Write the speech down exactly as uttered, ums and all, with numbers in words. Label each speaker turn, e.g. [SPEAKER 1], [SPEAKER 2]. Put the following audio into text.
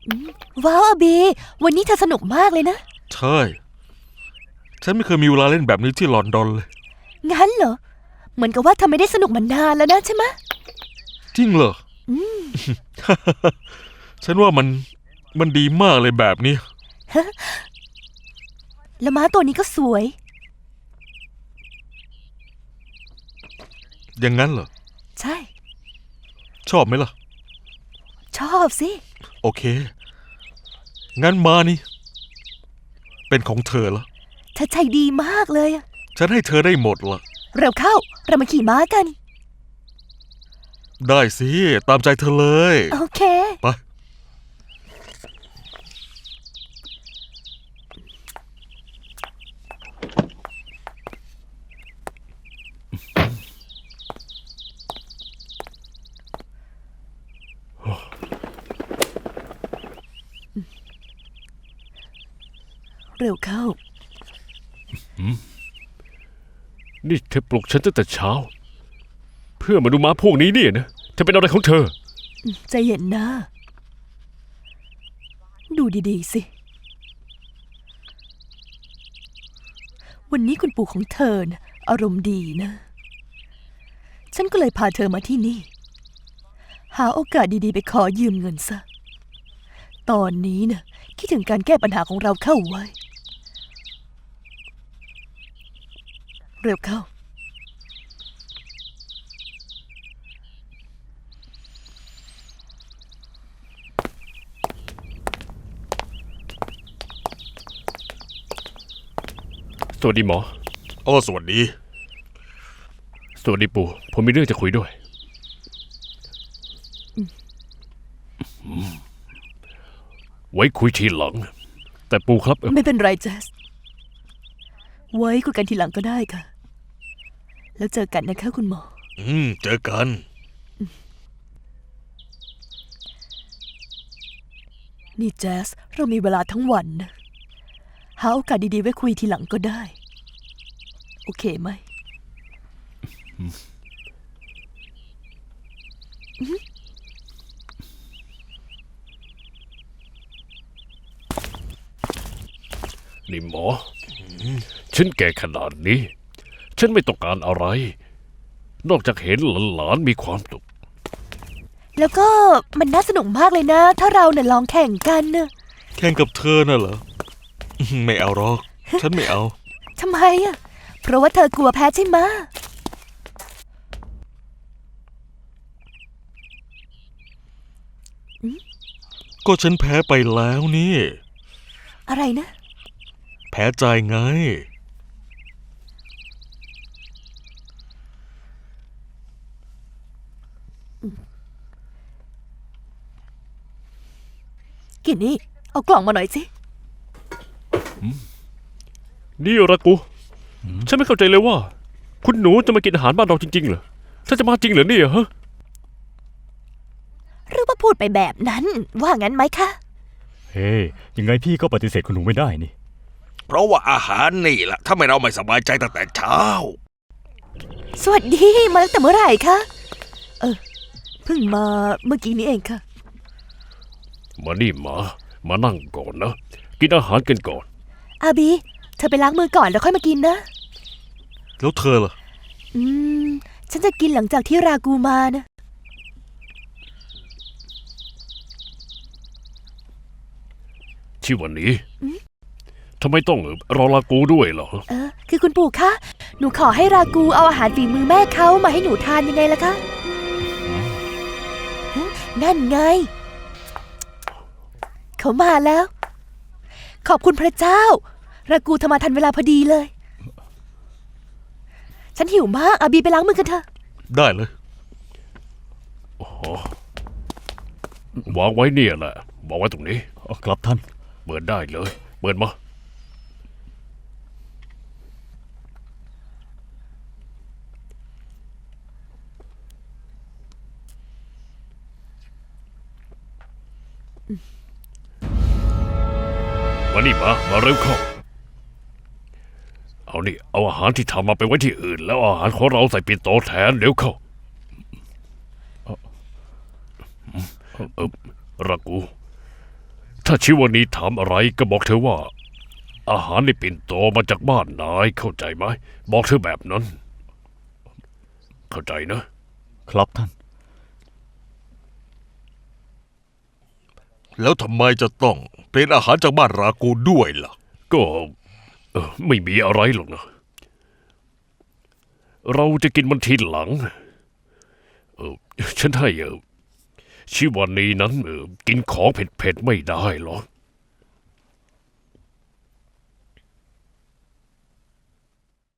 [SPEAKER 1] ว้าวอาบีวันนี้เธอสนุกมากเลยนะ
[SPEAKER 2] ใช่ฉันไม่เคยมีเวลาเล่นแบบนี้ที่ลอนดอนเลย
[SPEAKER 1] งั้นเหรอเหมือนกับว่าเธอไม่ได้สนุกมานานแล้วนะใช่ไหม
[SPEAKER 2] จริงเหรอฉันว่ามันมันดีมากเลยแบบนี้
[SPEAKER 1] แล้วม้าตัวนี้ก็สวย
[SPEAKER 2] อย่างนั้นเหรอ
[SPEAKER 1] ใช่
[SPEAKER 2] ชอบไหมล่ะ
[SPEAKER 1] ชอบสิ
[SPEAKER 2] โอเคงั้นมานี่เป็นของเธอละ
[SPEAKER 1] เธอใจดีมากเลย
[SPEAKER 2] ฉันให้เธอได้หมดละ
[SPEAKER 1] เร็วเข้าเรามาขี่ม้ากัน
[SPEAKER 2] ได้สิตามใจเธอเลย
[SPEAKER 1] โอเค
[SPEAKER 2] ไป
[SPEAKER 1] เร็วเข้า
[SPEAKER 3] นี่เธอปลุกฉันตั้งแต่เช้าเพื่อมาดูม้าพวกนี้เนี่ยนะเธอเป็นอะไรของเธอ
[SPEAKER 1] ใจเย็นนะดูดีๆสิวันนี้คุณปู่ของเธอนะอารมณ์ดีนะฉันก็เลยพาเธอมาที่นี่หาโอกาสดีๆไปขอยืมเงินซะตอนนี้นะคิดถึงการแก้ปัญหาของเราเข้าไว้เร็วเข้า
[SPEAKER 3] สวัสดีหมอ
[SPEAKER 2] โอ้สวัสดี
[SPEAKER 3] สวัสดีปู่ผมมีเรื่องจะคุยด้วยไว้คุยทีหลังแต่ปู่ครับ
[SPEAKER 1] ไม่เป็นไรเจสไว้คุยกันทีหลังก็ได้ค่ะแล้วเจอกันนะคะคุณหมอ
[SPEAKER 2] อืมเจอกัน
[SPEAKER 1] นี่เจสเรามีเวลาทั้งวันนะหาโอกาสดีๆไว้คุยทีหลังก็ได้โอเคไหม
[SPEAKER 3] นี่หมอฉันแก่ขนาดนี้ฉันไม่ต้องการอะไรนอกจากเห็นหลานๆมีความสุข
[SPEAKER 1] แล้วก็มันน่าสนุกมากเลยนะถ้าเราเนี่ยลองแข่งกันนะ
[SPEAKER 2] แข่งกับเธอน่ะเหรอไม่เอาหรอกฉันไม่เอา
[SPEAKER 1] ทำไมอ่ะเพราะว่าเธอกลัวแพ้ใช่ไหม
[SPEAKER 2] ก็ฉันแพ้ไปแล้วนี่
[SPEAKER 1] อะไรนะ
[SPEAKER 2] แพ้ใจไง
[SPEAKER 1] กินนี่เอากล่องมาหน่อยสิ
[SPEAKER 3] นี่รักกูฉันไม่เข้าใจเลยว่าคุณหนูจะมากินอาหารบ้านเราจริงๆเหรอถ้าจะมาจริงเหรอเนี่ยฮะ
[SPEAKER 1] หรือว่าพูดไปแบบนั้นว่างั้นไหมคะ
[SPEAKER 4] เฮ้ hey, ยังไงพี่ก็ปฏิเสธคุณหนูไม่ได้นี่
[SPEAKER 2] เพราะว่าอาหารนี่แหละถ้าไม่เราไม่สบายใจตั้งแต่เช้า
[SPEAKER 1] สวัสดีมาตั้งแต่เมื่อไหร่คะเออเพิ่งมาเมื่อกี้นี้เองค่ะ
[SPEAKER 3] มานี่มามานั่งก่อนนะกินอาหารกันก่อน
[SPEAKER 1] อาบีเธอไปล้างมือก่อนแล้วค่อยมากินนะ
[SPEAKER 2] แล้วเธอล่ะ
[SPEAKER 1] อืมฉันจะกินหลังจากที่รากูมานะ
[SPEAKER 3] ที่วันนี้ทำไมต้องรอรากูด้วยเหรอ
[SPEAKER 1] เออคือคุณปู่คะหนูขอให้รากูเอาอาหารฝีมือแม่เขามาให้หนูทานยังไงล่ะคะนั่นไงเขามาแล้วขอบคุณพระเจ้ารากูทำมาทันเวลาพอดีเลยฉันหิวมากอาบีไปล้างมือกันเถอะ
[SPEAKER 2] ได้เลย
[SPEAKER 3] โอ้วางไว้เนี่ยแหละวางไว้ตรงนี้
[SPEAKER 4] ครับท่าน
[SPEAKER 3] เปิดได้เลยเปิดมามานี่มามาเร็วเข้าเอานี่เอาอาหารที่ทำมาไปไว้ที่อื่นแล้วอาหารของเราใส่ปิ่นโตแทนเร็วเข้าเออรักกูถ้าชิวานีถามอะไรก็บอกเธอว่า อาหารในปิ่นโตมาจากบ้านนายเข้าใจไหมบอกเธอแบบนั้น เข้าใจนะ
[SPEAKER 4] ครับท่าน
[SPEAKER 2] แล้วทำไมจะต้องเป็นอาหารจากบ้านรากูด้วยล่ะ
[SPEAKER 3] ก็เอ่อไม่มีอะไรหรอกนะ เราจะกินมันทีหลัง เออฉันให้เออชิวานีนั้นเออกินของเผ็ดๆไม่ได้หรอก